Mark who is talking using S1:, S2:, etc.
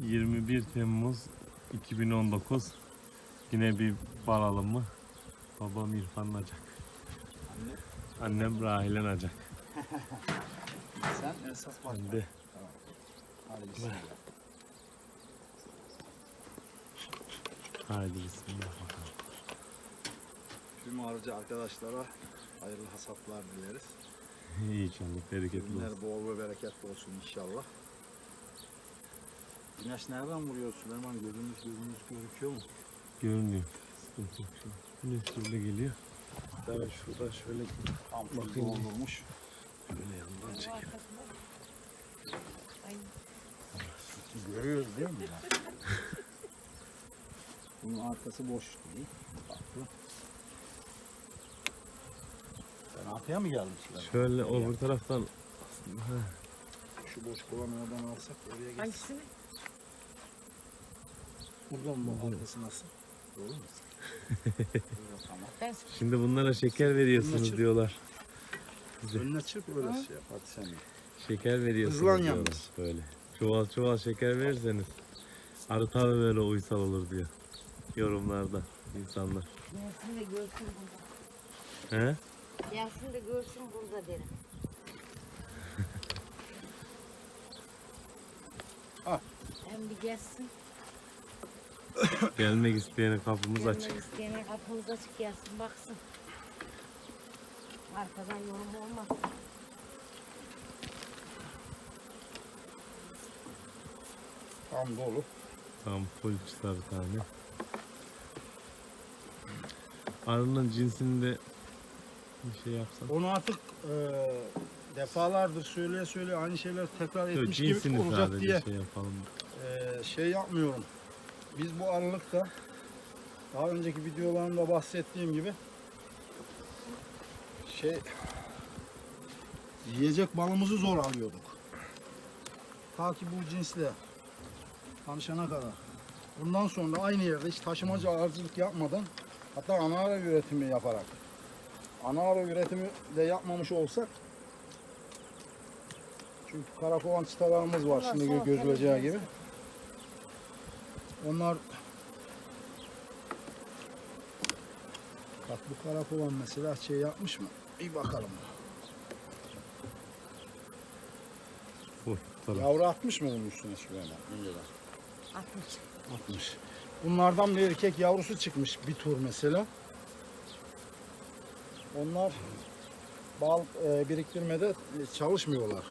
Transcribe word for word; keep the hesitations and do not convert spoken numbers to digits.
S1: yirmi bir Temmuz iki bin on dokuz. Yine bir bal alımı. Babam İrfan Nacak.
S2: Anne.
S1: Annem Rahile Nacak.
S2: Sen esas bak.
S1: Ben de.
S2: Tamam. Hadi bismillah.
S1: Haydi bismillah bakalım.
S2: Tüm harcı arkadaşlara hayırlı hasatlar dileriz.
S1: İnşallah bereketli olsun.
S2: Günler bol ve bereketli olsun inşallah. Güneş nereden vuruyor Süleyman? Gözümüz gözümüz gözüküyor mu?
S1: Görünüyor. Sıkıntı yok şimdi. Güneş şöyle geliyor. Ben şurada şöyle
S2: Tam
S1: bakayım.
S2: doldurmuş.
S1: Şöyle yanından çekelim.
S2: Görüyoruz değil mi ya? Bunun arkası boş değil. Bakın. Ben arkaya mı geldim Süleyman?
S1: Şöyle öbür taraftan aslında. Heh.
S2: Şu boş kovanı oradan alsak oraya geçsin.
S3: Hangisini?
S2: Buradan mı? Arkası nasıl? Doğru mu? Burada tamam.
S3: Ben
S1: Şimdi bunlara şeker veriyorsunuz
S2: Bunlar-
S1: diyorlar.
S2: Önüne çırp öyle şey yap. Hadi sen de.
S1: Şeker veriyorsunuz
S2: Hızlan
S1: diyorlar
S2: yalnız.
S1: böyle. Çuval çuval şeker verirseniz arı tabi böyle uysal olur diyor. Yorumlarda insanlar.
S3: gelsin de görsün burada.
S1: He?
S3: Gelsin de görsün burada derim.
S2: Al.
S3: Hem bir gelsin.
S1: Gelmek isteyene kapımız
S3: Gelmek
S1: açık.
S3: isteyene kapımız açık gelsin baksın. Arkadan yorum olmaz.
S2: Tam dolu.
S1: Tam full çıtar tane. Arının cinsini de bir şey yapsan.
S2: Onu artık e, defalardır söyleye söyleye aynı şeyler tekrar
S1: Yok,
S2: etmiş gibi
S1: cinsini
S2: olacak
S1: sadece
S2: diye
S1: şey yapalım.
S2: e, şey yapmıyorum. Biz bu aralıkta daha önceki videolarımda bahsettiğim gibi şey yiyecek balımızı zor alıyorduk. Ta ki bu cinsle tanışana kadar. Bundan sonra aynı yerde hiç taşımacı arıcılık yapmadan, hatta ana ara üretimi yaparak, ana ara üretimi de yapmamış olsak, çünkü karakovan çıtalarımız var
S3: Bunlar
S2: şimdi
S3: soğuk,
S2: gözüleceği
S3: tabii.
S2: gibi. Onlar bak bu karakovan mesela şey yapmış mı? Bir bakalım.
S1: Full. Tabii.
S2: Yavru atmış mı bunun üstüne Süleyman? Önceden.
S3: Atmış.
S2: Atmış. Bunlardan bir erkek yavrusu çıkmış bir tur mesela. Onlar bal e, biriktirmede çalışmıyorlar.